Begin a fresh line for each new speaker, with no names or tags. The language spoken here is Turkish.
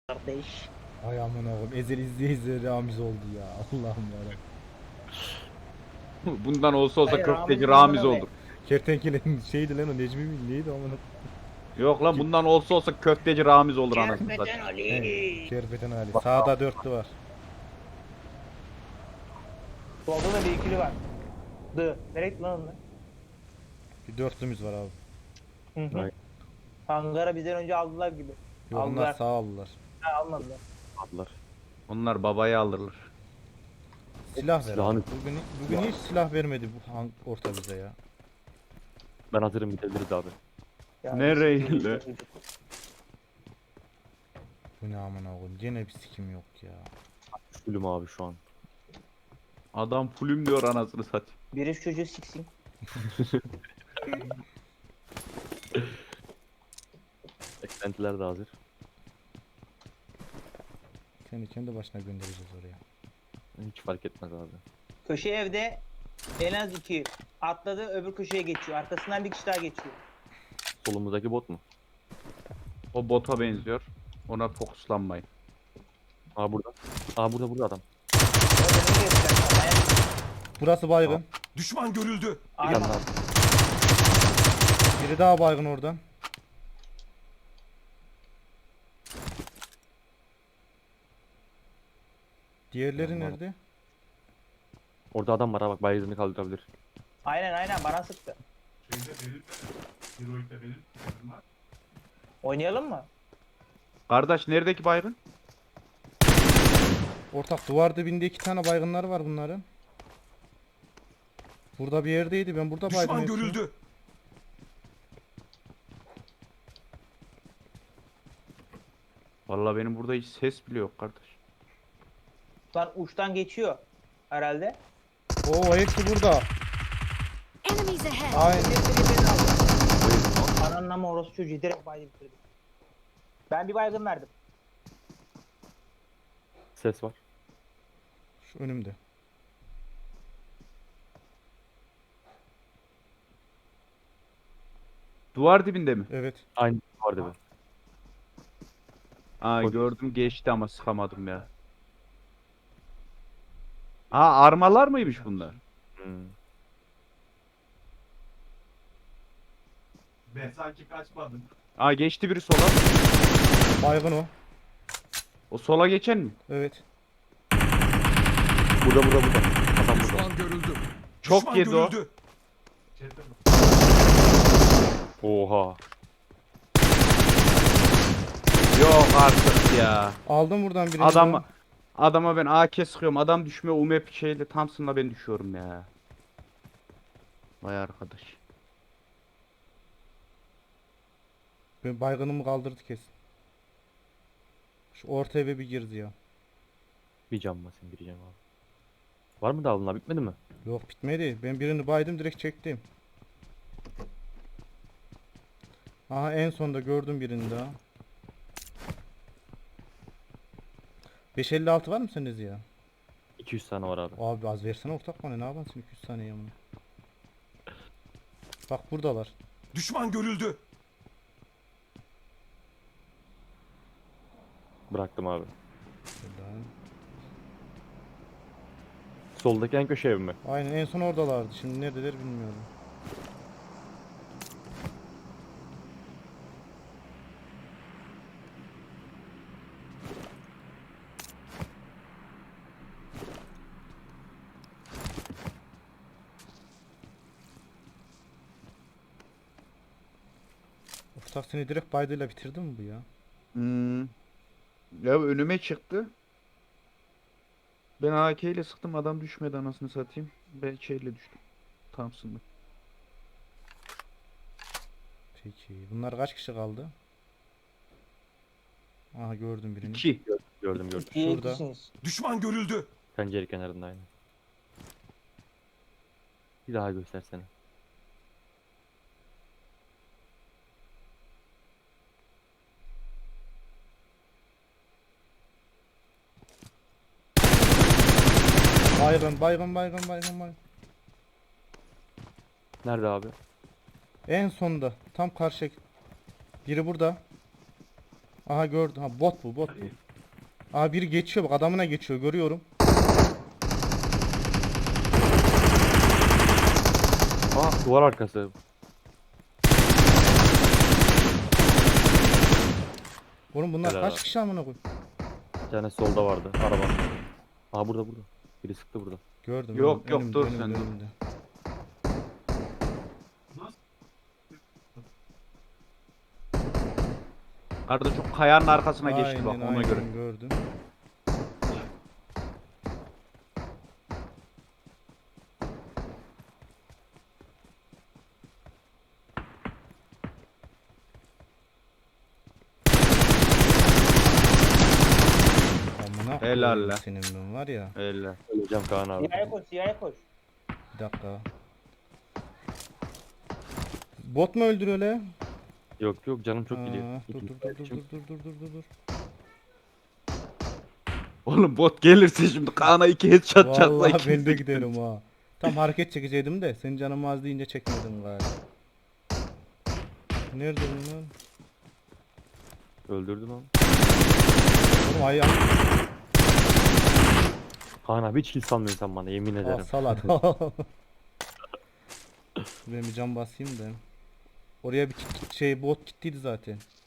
Kardeş.
Ay aman oğlum Ezel izleye izleye Ramiz oldu ya. Allah'ım yarabbim.
Bundan olsa
Hayır,
köfteci
Ramiz'in
Ramiz
amına
olur.
Kertenkele'nin şeydi lan o Necmi mi neydi aman.
Yok lan bundan olsa köfteci Ramiz olur anasını
Kerpeten
satayım.
Ali.
Kerpeten Ali. Sağda dörtlü var.
Solda da bir ikili var. Nereye gitti lan onlar?
Bir dörtlümüz var abi.
Hı hı.
Ay.
Hangara bizden önce aldılar gibi.
Yok onlar
Aldılar.
sağ aldılar.
Ha, almadılar.
Aldılar.
Onlar babaya alırlar.
Silah ver
Silahını-
abi. Bugün hiç silah vermedi bu orta bize ya.
Ben hazırım, gidebiliriz abi.
Ya,
Nereye
biz-
lan?
Bu ne aman oğlum. Gene bir sikim yok ya.
Fullüm abi şu an.
Adam pulüm diyor anasını satayım.
Biri şu çocuğu siksin.
Eklentiler de hazır.
Kendi başına göndereceğiz oraya.
Hiç fark etmez abi.
Köşe evde en az iki. Atladı, öbür köşeye geçiyor. Arkasından bir kişi daha geçiyor.
Solumuzdaki bot mu?
O bota benziyor. Ona fokuslanmayın.
Aa burada. Aa burada adam.
Orada ne geçecek?
Burası baygın.
Düşman görüldü.
Bir tane
Aynen.
daha.
Biri daha baygın oradan. Diğerleri
Tamam.
nerede?
Orada adam var ha, bak baygını kaldırabilir.
Aynen bana sıktı. Oynayalım mı?
Kardeş neredeki baygın?
Ortak duvar dibinde iki tane baygınlar var bunların. Burada bir yerdeydi. Ben burada baydım.
Düşman
hepsini.
görüldü.
Vallahi benim burada hiç ses bile yok kardeş.
Lan uçtan geçiyor herhalde.
Oo hepsi burada.
Enemies ahead!
Aynen.
Ananın ama orası çocuğu direkt baydı bitirdi. Ben bir baygın verdim.
Ses var.
Şu önümde.
Duvar dibinde mi?
Evet.
Aynı vardı be.
Aa
Polis.
gördüm geçti ama sıkamadım ya. Aa armalar mıymış bunlar?
Hmm.
Ben sanki kaçmadım.
Aa geçti biri sola.
Baygın o.
O sola geçen mi?
Evet.
Burada. Adam burada.
Düşman görüldü.
Çok
Düşman
yedi o.
görüldü.
Oha.
Yok artık ya.
Aldım buradan birini.
Adama ben AK sıkıyorum. Adam düşmüyor. UMP şeyle Thompson'la ben düşüyorum ya. Vay arkadaş.
Ben baygınımı kaldırdı kesin. Şu orta eve bir girdi ya.
Bir cam basayım, bir cam abi. Var mı daha bunlar, bitmedi mi?
Yok bitmedi. Ben birini baydım direkt çektim. Aha en sonda gördüm birini daha. 556 var mı sende ya?
200 tane var abi.
Abi az versene ortak bana, ne yaparsın 200 tane ya bunu. Bak buradalar.
Düşman görüldü.
Bıraktım abi.
Şuradan.
Soldaki en köşe ev mi?
Aynen en son oradalardı. Şimdi neredeler bilmiyorum. Ortak seni direkt baydıyla bitirdi mi bu ya?
Hmm. Ya önüme çıktı. Ben AK ile sıktım adam düşmedi anasını satayım. Ben şeyle düştüm. Thompson'la.
Peki. Bunlar kaç kişi kaldı? Aha gördüm birini.
2.
Gördüm.
İkiye
Şurada.
ikisiniz.
Düşman görüldü.
Pencere kenarında aynı. Bir daha göstersene.
Baygın.
Nerede abi?
En sonda. Tam karşı. Biri burada. Aha gördüm. Ha bot bu bot bu. Aha biri geçiyor bak adamına geçiyor görüyorum.
Aa duvar arkası.
Oğlum bunlar
Helal
kaç
abi.
kişi amına koy.
Bir tane solda vardı. Araba. Aa burada. Biri sıktı burada.
Gördüm.
Yok, yok, dur sen, dur.
önümde.
Arada şu kayanın arkasına geçti bak
Aynen,
ona göre.
aynen, gördüm. Amına
Helal
koyayım
lan.
senin ben var ya.
Öyle.
Öleceğim Kaan abi.
Siyahya koş, siyahya koş.
Bir dakika. Bot mu öldürüyor öyle?
Yok canım çok gidiyor.
Dur dur dur dur dur dur dur dur dur dur.
Oğlum bot gelirse şimdi Kaan'a 2 headshot çatla
Vallahi
ikimiz
ben de giderim ha. Tam hareket çekeceydim de senin canın az deyince çekmedim galiba. Nerede bunlar?
Öldürdüm onu.
Oğlum ayağım.
Kaan abi hiç kill salmıyorsun sen bana yemin
Aa,
ederim.
salat. Ben bir cam basayım da. Oraya bir şey bot gittiydi zaten.